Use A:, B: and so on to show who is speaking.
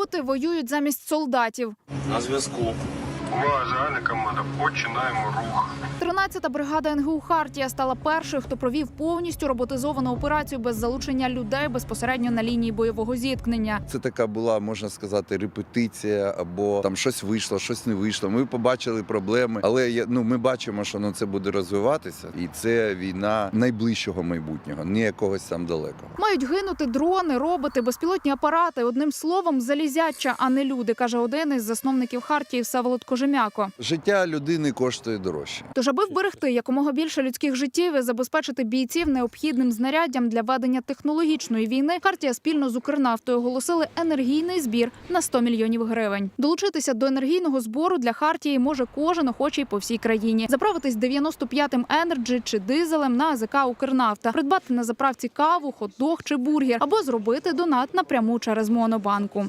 A: Роботи воюють замість солдатів.
B: На зв'язку.
C: Увага, загальна команда. Починаємо рух.
A: 13-та бригада НГУ «Хартія» стала першою, хто провів повністю роботизовану операцію без залучення людей безпосередньо на лінії бойового зіткнення.
D: Це така була, можна сказати, репетиція, або там щось вийшло, щось не вийшло. Ми побачили проблеми, але ми бачимо, що це буде розвиватися. І це війна найближчого майбутнього, не якогось там далекого.
A: Мають гинути дрони, роботи, безпілотні апарати. Одним словом, залізяча, а не люди, каже один із засновників «Хартії» Всеволод Кожем'яко.
D: Життя людини коштує дорожче.
A: Тож, аби вберегти якомога більше людських життів і забезпечити бійців необхідним знаряддям для ведення технологічної війни, «Хартія» спільно з «Укрнафтою» оголосили енергійний збір на 100 мільйонів гривень. Долучитися до енергійного збору для «Хартії» може кожен охочий по всій країні. Заправитись 95-м «Енерджі» чи дизелем на АЗК «Укрнафта», придбати на заправці каву, хот-дог чи бургер, або зробити донат напряму через Монобанку.